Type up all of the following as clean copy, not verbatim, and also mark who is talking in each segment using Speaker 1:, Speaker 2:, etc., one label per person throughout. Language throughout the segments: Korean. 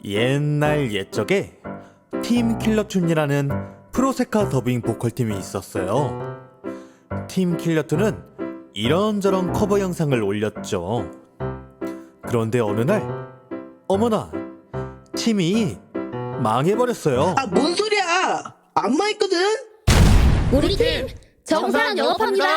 Speaker 1: 옛날 옛적에 팀 킬러툰이라는 프로세카 더빙 보컬팀이 있었어요. 팀 킬러툰은 이런저런 커버 영상을 올렸죠. 그런데 어느 날 어머나, 팀이 망해버렸어요.
Speaker 2: 아, 뭔 소리야? 안 망했거든?
Speaker 3: 우리 팀 정상 영업합니다.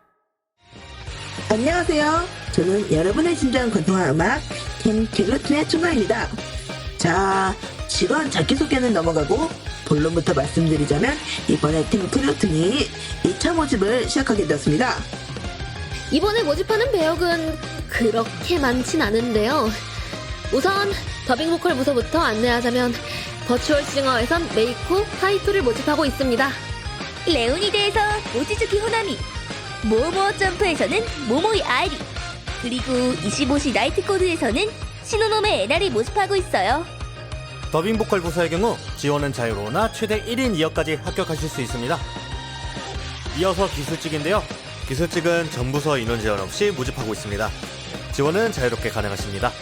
Speaker 2: 안녕하세요. 저는 여러분의 심장 건통한 음악 팀 킬러툰의 충가입니다. 자, 직원 자기소개는 넘어가고 본론부터 말씀드리자면 이번에 팀 킬러툰이 2차 모집을 시작하게 되었습니다.
Speaker 3: 이번에 모집하는 배역은 그렇게 많진 않은데요. 우선 더빙 보컬 부서부터 안내하자면 버추얼 싱어에선 메이코, 하이토를 모집하고 있습니다.
Speaker 4: 레오니드에서 모치즈키 호나미, 모모어 점프에서는 모모이 아리, 그리고 25시 나이트 코드에서는 시노노메 에나를 모집하고 있어요.
Speaker 1: 더빙 보컬 부서의 경우 지원은 자유로우나 최대 1인 2역까지 합격하실 수 있습니다. 이어서 기술직인데요. 기술직은 전부서 인원 제한 없이 모집하고 있습니다. 지원은 자유롭게 가능하십니다.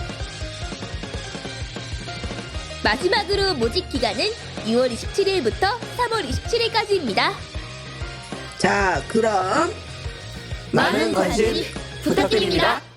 Speaker 4: 마지막으로 모집 기간은 6월 27일부터 3월 27일까지입니다.
Speaker 2: 자, 그럼
Speaker 3: 많은 관심 부탁드립니다.